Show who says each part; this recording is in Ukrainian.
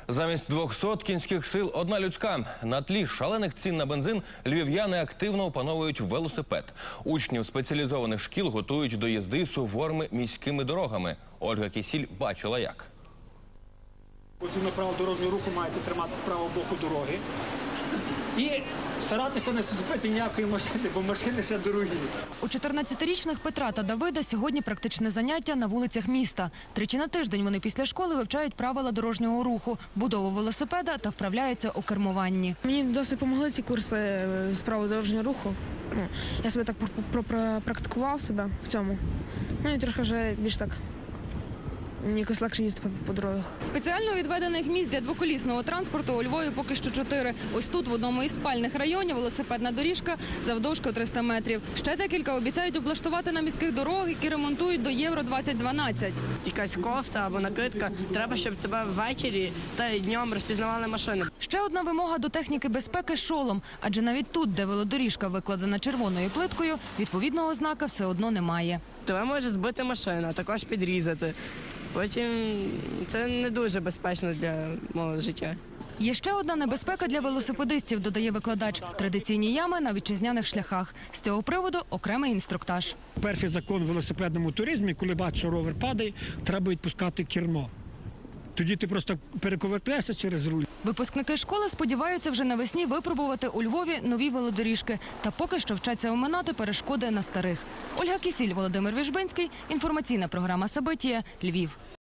Speaker 1: Замість 200 кінських сил – одна людська. На тлі шалених цін на бензин львів'яни активно опановують велосипед. Учнів спеціалізованих шкіл готують до їзди суворими міськими дорогами. Ольга Кісіль бачила як.
Speaker 2: Згідно правил дорожнього руху маєте тримати з правого боку дороги і старатися не зачепити ніякої машини, бо машини ще дорогі.
Speaker 3: У 14-річних Петра та Давида сьогодні практичне заняття на вулицях міста. Тричі на тиждень вони після школи вивчають правила дорожнього руху, будову велосипеда та вправляються у кермуванні.
Speaker 4: Мені досить допомогли ці курси з правил дорожнього руху. Я себе так практикував себе в цьому. Ну і трохи вже більш так якось легше їздити по дорогах.
Speaker 3: Спеціально відведених місць для двоколісного транспорту у Львові поки що 4. Ось тут, в одному із спальних районів, велосипедна доріжка завдовжки 300 метрів. Ще декілька обіцяють облаштувати на міських дорогах, які ремонтують до Євро-2012.
Speaker 5: Якась кофта або накидка. Треба, щоб тебе ввечері та й днем розпізнавали машини.
Speaker 3: Ще одна вимога до техніки безпеки – шолом. Адже навіть тут, де велодоріжка викладена червоною плиткою, відповідного знака все одно немає.
Speaker 5: Тебе може збити машина, також підрізати. Потім це не дуже безпечно для мого життя.
Speaker 3: Є ще одна небезпека для велосипедистів, додає викладач – традиційні ями на вітчизняних шляхах. З цього приводу окремий інструктаж.
Speaker 2: Перший закон в велосипедному туризмі, коли бачиш, що ровер падає, треба відпускати кермо. Тоді ти просто перековертаєшся через руль.
Speaker 3: Випускники школи сподіваються вже навесні випробувати у Львові нові велодоріжки. Та поки що вчаться оминати перешкоди на старих. Ольга Кісіль, Володимир Віжбинський. Інформаційна програма «Сабитія», Львів.